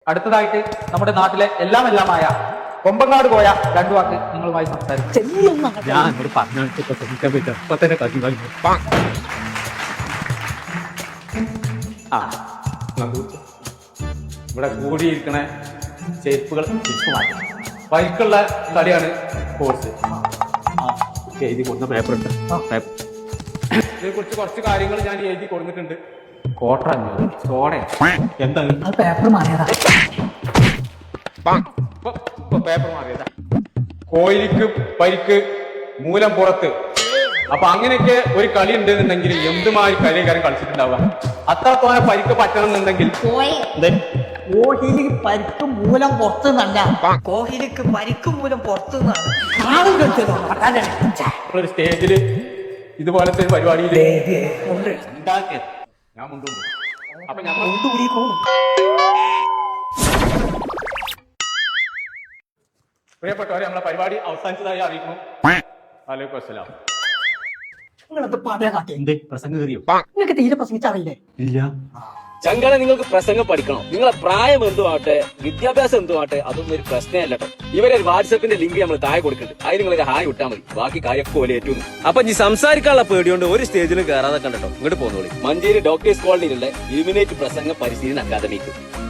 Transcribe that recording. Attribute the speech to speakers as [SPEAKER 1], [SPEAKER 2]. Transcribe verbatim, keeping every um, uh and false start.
[SPEAKER 1] അടുത്തതായിട്ട് നമ്മുടെ നാട്ടിലെ എല്ലാം എല്ലാമായ കൊമ്പങ്ങാട് പോയ രണ്ടു വാക്ക് നിങ്ങളുമായി സംസാരിക്കും.
[SPEAKER 2] ഞാൻ പറഞ്ഞു ഇപ്പൊ തന്നെ കത്തി കഴിഞ്ഞു.
[SPEAKER 1] ആ ഇവിടെ കൂടിയിരിക്കണ ചെരുപ്പുകൾ തിരിച്ചു മാറ്റി ബൈക്കുള്ള കളിയാണ് കോഴ്സ്.
[SPEAKER 2] എഴുതി കൊടുത്ത പേപ്പർ ഉണ്ട്.
[SPEAKER 1] ഇതിനെ കുറിച്ച് കുറച്ച് കാര്യങ്ങൾ ഞാൻ എഴുതി കൊടുത്തിട്ടുണ്ട്. കോട്ട അഞ്ഞൂറ് സോഡ
[SPEAKER 2] എന്താണ്
[SPEAKER 3] പേപ്പർ മാറിയതാ.
[SPEAKER 1] പേപ്പർ മാറിയതാ. കോയിലിക്ക് പരിക്ക് മൂലം പുറത്ത്. അപ്പൊ അങ്ങനെയൊക്കെ ഒരു കളി ഉണ്ടെന്നുണ്ടെങ്കിൽ എന്തുമായി കളിക്കാരൻ കളിച്ചിട്ടുണ്ടാവുക. അത്രത്തോനെ പരിക്ക് പറ്റണം എന്നുണ്ടെങ്കിൽ
[SPEAKER 3] കോഹ്ലിക്ക് പരിക്ക് മൂലം പുറത്തു നിന്നല്ല,
[SPEAKER 4] കോഹ്ലിക്ക് പരിക്ക് മൂലം പുറത്തു നിന്നാണ്.
[SPEAKER 1] ഒരു സ്റ്റേജില് ഇതുപോലത്തെ ഒരു പരിപാടിയിൽ
[SPEAKER 3] ഉണ്ടാക്കിയത്
[SPEAKER 1] ഞാൻ മുണ്ടുണ്ട്. അപ്പൊ ഞാൻ പ്രിയപ്പെട്ടവരെ നമ്മളെ പരിപാടി അവസാനിച്ചതായി അറിയിക്കുന്നു. വലൈക്കും അസ്സലാം.
[SPEAKER 3] നിങ്ങളത് പറയാ കാട്ടി
[SPEAKER 2] എന്ത് പ്രസംഗം കയറിയോ?
[SPEAKER 3] നിങ്ങൾക്ക് തീരെ പ്രസംഗിച്ചറിയില്ലേ?
[SPEAKER 2] ഇല്ല.
[SPEAKER 5] ചങ്കളെ നിങ്ങൾക്ക് പ്രസംഗം പഠിക്കണം. നിങ്ങളെ പ്രായം എന്തുമാട്ടെ വിദ്യാഭ്യാസം എന്തുമാട്ടെ അതൊന്നും ഒരു പ്രശ്നമല്ല കേട്ടോ. ഇവരെ വാട്സപ്പിന്റെ ലിങ്ക് നമ്മൾ താഴെ കൊടുക്കുന്നുണ്ട്. അതിന് നിങ്ങൾ ഹായ് വിട്ടാൽ മതി. ബാക്കി കാര്യമൊക്കെ പോലെ ഏറ്റുന്നു. അപ്പൊ ഈ സംസാരിക്കാനുള്ള പേടിയോണ്ട് ഒരു സ്റ്റേജിലും കയറാതെ കണ്ടോ. ഇങ്ങോട്ട് പോകുന്നോളി. മഞ്ചേരി ഡോക്ടേഴ്സ് കോളനിയിലുള്ള ഇലുമിനേറ്റ് പ്രസംഗ പരിശീലന അക്കാദമിക്ക്.